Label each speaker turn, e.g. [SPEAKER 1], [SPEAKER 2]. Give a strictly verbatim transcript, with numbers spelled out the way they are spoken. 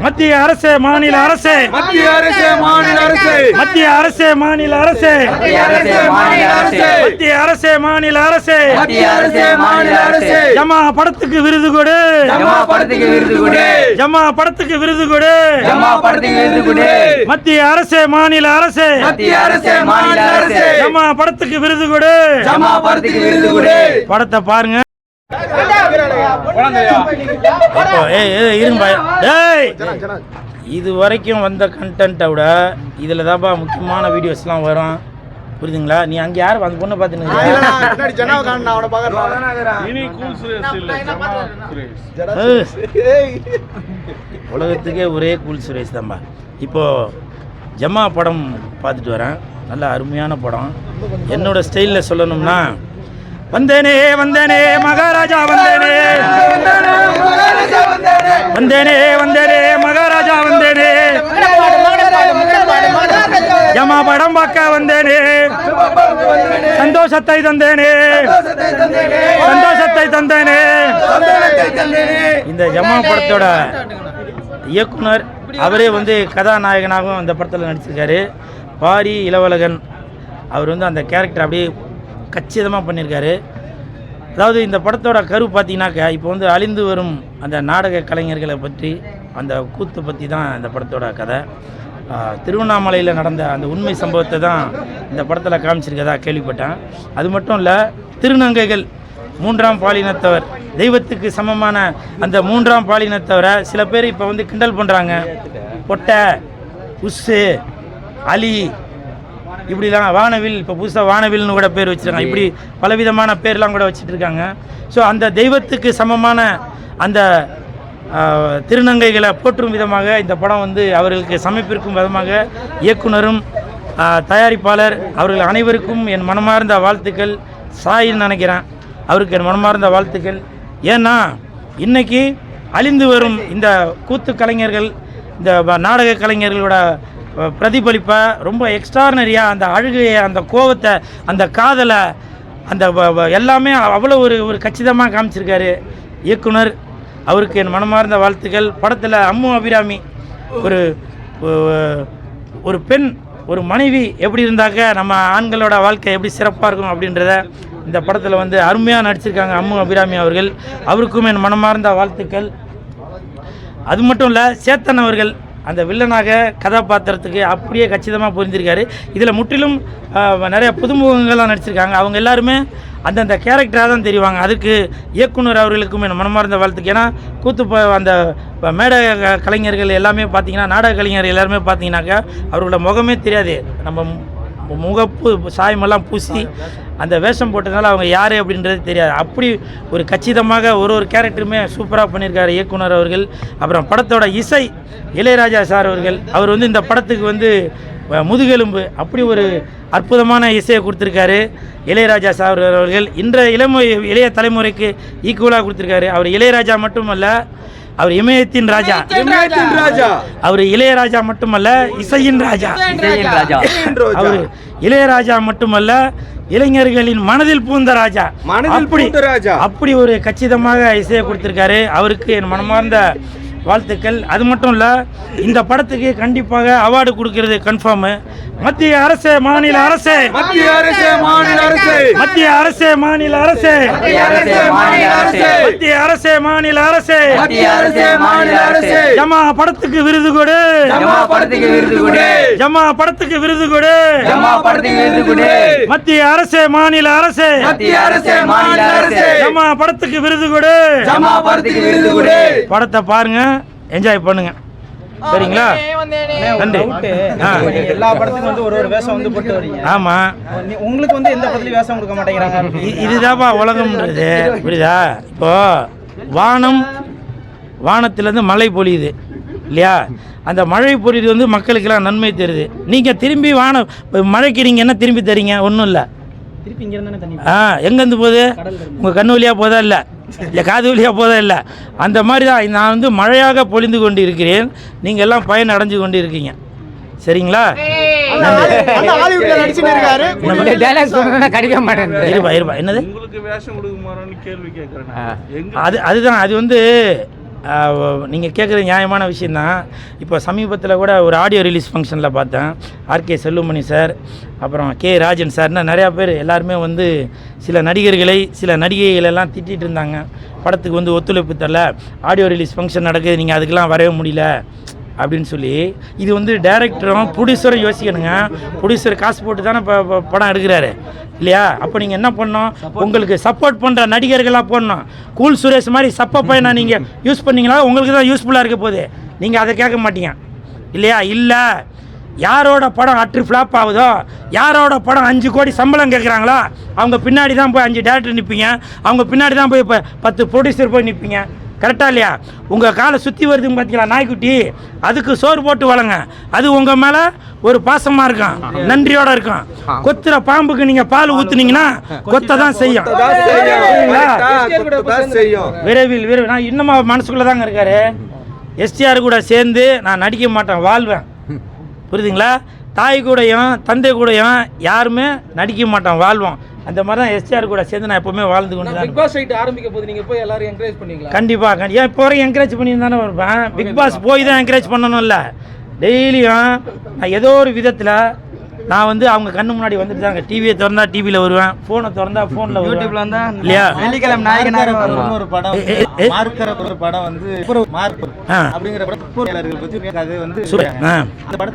[SPEAKER 1] மத்திய அரசு மாநில அரசு
[SPEAKER 2] மத்திய அரசு மாநில அரசு
[SPEAKER 1] மத்திய அரசு மாநில அரசு
[SPEAKER 2] மத்திய அரசு மாநில அரசு
[SPEAKER 1] மத்திய அரசு மாநில அரசு
[SPEAKER 2] மத்திய அரசு மாநில அரசு
[SPEAKER 1] ஜமா படத்துக்கு விருது கொடு
[SPEAKER 2] ஜமா படத்துக்கு விருது கொடு
[SPEAKER 1] ஜமா படத்துக்கு விருது கொடு
[SPEAKER 2] ஜமா படத்துக்கு விருது கொடு
[SPEAKER 1] மத்திய அரசு மாநில அரசு
[SPEAKER 2] மத்திய அரசு மாநில அரசு
[SPEAKER 1] ஜமா படத்துக்கு விருது கொடு
[SPEAKER 2] ஜமா படத்துக்கு விருது கொடு.
[SPEAKER 1] படத்தை பாருங்க. இது வரைக்கும் வந்த கண்டென்ட்டை விட இதில் தான்ப்பா முக்கியமான வீடியோஸ்லாம் வரும். புரியுதுங்களா? நீ அங்கே யார் அந்த பொண்ணை பார்த்துன்னு உலகத்துக்கே ஒரே கூல் சுரேஷ் தான்பா. இப்போது ஜமா படம் பார்த்துட்டு வரேன். நல்ல அருமையான படம். என்னோட ஸ்டைலில் சொல்லணும்னா வந்தேனே வந்தேனே மகாராஜா வந்தேனே வந்தேனே வந்தேனே மகாராஜா வந்தேனே ஜமா படம் பார்க்க வந்தேனே சந்தோஷத்தை தந்தேனே சந்தோஷத்தை தந்தேனே. இந்த ஜமா படத்தோட இயக்குனர் அவரே வந்து கதாநாயகனாகவும் அந்த படத்தில் நடிச்சிருக்காரு. பாரி இளவழகன் அவர் வந்து அந்த கேரக்டர் அப்படியே கச்சிதமாக பண்ணியிருக்காரு. அதாவது இந்த படத்தோட கரு பார்த்தீங்கன்னாக்கா இப்போ வந்து அழிந்து வரும் அந்த நாடக கலைஞர்களை பற்றி அந்த கூத்து பற்றி தான் இந்த படத்தோட கதை. திருவண்ணாமலையில் நடந்த அந்த உண்மை சம்பவத்தை தான் இந்த படத்தில் காமிச்சிருக்கதா கேள்விப்பட்டேன். அது மட்டும் இல்லை, திருநங்கைகள் மூன்றாம் பாலினத்தவர் தெய்வத்துக்கு சமமான அந்த மூன்றாம் பாலினத்தவரை சில பேர் இப்போ வந்து கிண்டல் பண்ணுறாங்க. பொட்டை, உஸ்ஸு, அலி, இப்படிலாம் வானவில், இப்போ புதுசாக வானவில்னு கூட பேர் வச்சுருக்காங்க. இப்படி பலவிதமான பேர்லாம் கூட வச்சுட்டு இருக்காங்க. ஸோ அந்த தெய்வத்துக்கு சமமான அந்த திருநங்கைகளை போற்றும் விதமாக இந்த படம் வந்து அவர்களுக்கு சமர்ப்பிக்கும் விதமாக இயக்குனரும் தயாரிப்பாளர் அவர்கள் அனைவருக்கும் என் மனமார்ந்த வாழ்த்துக்கள். சாயின்னு நினைக்கிறேன், அவருக்கு என் மனமார்ந்த வாழ்த்துக்கள். ஏன்னா இன்றைக்கி அழிந்து வரும் இந்த கூத்து கலைஞர்கள், இந்த நாடக கலைஞர்களோட பிரதிபலிப்பை ரொம்ப எக்ஸ்ட்ரானரியாக அந்த அழுகையை, அந்த கோவத்தை, அந்த காதலை, அந்த எல்லாமே அவ்வளோ ஒரு ஒரு கச்சிதமாக காமிச்சிருக்காரு இயக்குனர். அவருக்கு என் மனமார்ந்த வாழ்த்துக்கள். படத்தில் அம்மு அபிராமி ஒரு ஒரு பெண், ஒரு மனைவி எப்படி இருந்தாக்க நம்ம ஆண்களோட வாழ்க்கை எப்படி சிறப்பாக இருக்கும் அப்படின்றத இந்த படத்தில் வந்து அருமையாக நடிச்சிருக்காங்க அம்மு அபிராமி அவர்கள். அவருக்கும் என் மனமார்ந்த வாழ்த்துக்கள். அது மட்டும் இல்லை, சேத்தன் அவர்கள் அந்த வில்லனாக கதாபாத்திரத்துக்கு அப்படியே கச்சிதமாக புரிஞ்சிருக்காரு. இதில் முற்றிலும் நிறைய புதுமுகங்கள்லாம் நடிச்சிருக்காங்க. அவங்க எல்லாருமே அந்தந்த கேரக்டராக தான் தெரிவாங்க. அதுக்கு இயக்குனர் அவர்களுக்கும் என் மனமார்ந்த வாழ்த்துக்கு. ஏன்னா கூத்து அந்த மேடை கலைஞர்கள் எல்லாமே பார்த்தீங்கன்னா, நாடக கலைஞர்கள் எல்லாருமே பார்த்தீங்கன்னாக்கா அவர்களோட முகமே தெரியாது. நம்ம முகப்பு சாயமெல்லாம் பூசி அந்த வேஷம் போட்டதுனால அவங்க யார் அப்படின்றது தெரியாது. அப்படி ஒரு கச்சிதமாக ஒரு ஒரு கேரக்டருமே சூப்பராக பண்ணியிருக்காரு இயக்குனர் அவர்கள். அப்புறம் படத்தோட இசை இளையராஜா சார் அவர்கள், அவர் வந்து இந்த படத்துக்கு வந்து முதுகெலும்பு, அப்படி ஒரு அற்புதமான இசையை கொடுத்துருக்காரு இளையராஜா சார் அவர்கள். இன்றைய இளமு இளைய தலைமுறைக்கு ஈக்குவலாக கொடுத்துருக்காரு. அவர் இளையராஜா மட்டுமல்ல, அவர் இமயத்தின் ராஜா. அவர் இளையராஜா மட்டுமல்ல, இசையின் ராஜா. அவர் இளையராஜா மட்டுமல்ல, இளைஞர்களின் மனதில் பூந்த ராஜா. அப்படி அப்படி ஒரு கச்சிதமாக இசையை கொடுத்திருக்காரு. அவருக்கு என் மனமார்ந்த வாழ்த்துக்கள். அது மட்டும் இல்லை, இந்த படத்துக்கு கண்டிப்பாக அவார்டு கொடுக்கிறது கன்ஃபார்ம். மத்திய அரசு மாநில அரசு
[SPEAKER 2] மத்திய அரசு மாநில அரசு
[SPEAKER 1] மத்திய அரசு மாநில அரசு
[SPEAKER 2] மத்திய அரசு மாநில அரசு
[SPEAKER 1] மத்திய அரசு மாநில அரசு
[SPEAKER 2] மத்திய அரசு மாநில அரசு
[SPEAKER 1] ஜமா படத்துக்கு விருது கொடு
[SPEAKER 2] ஜமா படத்துக்கு விருது கொடு
[SPEAKER 1] ஜமா படத்துக்கு விருது கொடு
[SPEAKER 2] ஜமா படத்துக்கு விருது கொடு
[SPEAKER 1] மத்திய அரசு மாநில அரசு
[SPEAKER 2] மத்திய அரசு மாநில அரசு
[SPEAKER 1] ஜமா படத்துக்கு விருது கொடு
[SPEAKER 2] ஜமா படத்துக்கு விருது கொடு.
[SPEAKER 1] படத்தை பாருங்க, என்ஜாய் பண்ணுங்க. சரிங்களா? நன்றி.
[SPEAKER 3] எல்லா படத்துக்கும் வந்து ஒரு ஒரு வேஷம் வந்து போட்டு வரீங்க.
[SPEAKER 1] ஆமா,
[SPEAKER 3] உங்களுக்கு வந்து எந்த படத்துலயும் வேஷம் கொடுக்க மாட்டேங்கிறாங்க.
[SPEAKER 1] இதுதான்ப்பா உலகம்ன்றது, புரியுதா? இப்போ வானம் வானத்திலேருந்து மழை பொழியுது இல்லையா? அந்த மழை பொழியுது வந்து மக்களுக்கெல்லாம் நன்மை தருது. நீங்கள் திரும்பி வானம் மழைக்கு நீங்கள் என்ன திரும்பி தரீங்க? ஒன்றும் இல்லை.
[SPEAKER 3] திருப்பி இங்கே இருந்தானே தண்ணி.
[SPEAKER 1] ஆ, எங்கேருந்து போகுது? உங்கள் கண்ணு வழியாக போதா இல்லை இல்லை காது வழியாக போதா இல்லை? அந்த மாதிரி தான் நான் வந்து மழையாக பொழிந்து கொண்டு இருக்கிறேன். நீங்கள் எல்லாம் பயன் அடைஞ்சு கொண்டு இருக்கீங்க. சரிங்களா?
[SPEAKER 3] என்னது
[SPEAKER 1] அது அதுதான் அது வந்து நீங்கள் கேட்குற நியாயமான விஷயந்தான். இப்போ சமீபத்தில் கூட ஒரு ஆடியோ ரிலீஸ் ஃபங்க்ஷனில் பார்த்தேன். ஆர்கே செல்லுமணி சார், அப்புறம் கே ராஜன் சார்னா நிறையா பேர் எல்லாருமே வந்து சில நடிகர்களை சில நடிகைகளெல்லாம் திட்டிகிட்டு இருந்தாங்க. படத்துக்கு வந்து ஒத்துழைப்பு தரல, ஆடியோ ரிலீஸ் ஃபங்க்ஷன் நடக்குது, நீங்கள் அதுக்கெல்லாம் வரவே முடியல அப்படின்னு சொல்லி. இது வந்து டைரக்டரும் ப்ரொடியூசரும் யோசிக்கணுங்க. ப்ரொடியூசர் காசு போட்டு தானே இப்போ படம் எடுக்கிறாரு இல்லையா? அப்போ நீங்கள் என்ன பண்ணணும், உங்களுக்கு சப்போர்ட் பண்ணுற நடிகர்களாக போடணும். கூல் சுரேஷ் மாதிரி சப்ப பையனை நீங்கள் யூஸ் பண்ணிங்களா, உங்களுக்கு தான் யூஸ்ஃபுல்லாக இருக்க போகுது. நீங்கள் அதை கேட்க மாட்டீங்க இல்லையா? இல்லை, யாரோட படம் அட்ரு ஃப்ளாப் ஆகுதோ, யாரோட படம் அஞ்சு கோடி சம்பளம் கேட்குறாங்களோ அவங்க பின்னாடி தான் போய் அஞ்சு டேரக்டர் நிற்பீங்க, அவங்க பின்னாடி தான் போய் இப்போ பத்து ப்ரொடியூசர் போய் நிற்பீங்க. கரெக்டாக இல்லையா? உங்கள் காலை சுற்றி வருதுன்னு பார்த்தீங்களா நாய்க்குட்டி, அதுக்கு சோறு போட்டு வளங்க. அது உங்கள் மேலே ஒரு பாசமாக இருக்கும், நன்றியோடு இருக்கும். கொத்துற பாம்புக்கு நீங்கள் பால் ஊற்றுனீங்கன்னா கொத்த தான் செய்யும். விரைவில் விரைவில் நான் இன்னும் மனசுக்குள்ளே தாங்க இருக்காரு. எஸ்டிஆர் கூட சேர்ந்து நான் நடிக்க மாட்டேன், வாழ்வேன். புரியுதுங்களா? தாய் கூடயும் தந்தை கூடயும் யாருமே நடிக்க மாட்டோம், வாழ்வோம். அந்த மாதிரி தான் எஸ்டிஆர் கூட சேர்ந்து நான் எப்பவுமே வாழ்ந்து கொண்டு தான்.
[SPEAKER 3] பிக் பாஸ் ரைட் ஆரம்பிக்க போது நீங்க போய் எல்லாரும் என்கரேஜ் பண்ணீங்களா?
[SPEAKER 1] கண்டிப்பாக. ஏன் இப்போ வரைக்கும் என்கரேஜ் பண்ணி தானே இருப்பேன். பிக் பாஸ் போய் தான் என்கரேஜ் பண்ணணும் இல்லை, டெய்லியும் நான் ஏதோ ஒரு விதத்தில் நான் வந்து அவங்க கண்ணு முன்னாடி வந்துட்டு தாங்க. டிவியை திறந்தா டிவியில் வருவேன், ஃபோனை திறந்தா ஃபோனில்
[SPEAKER 2] யூடியூப்ல வந்தா
[SPEAKER 1] இல்லையா?
[SPEAKER 2] வெள்ளிக்கிழமை நாயகனார்
[SPEAKER 3] ஒரு படம் மார்க்கற ஒரு படம் வந்து மார்க் அப்படிங்கிற படம் பத்தி அது வந்து
[SPEAKER 1] ஆ
[SPEAKER 3] அந்த படத்தை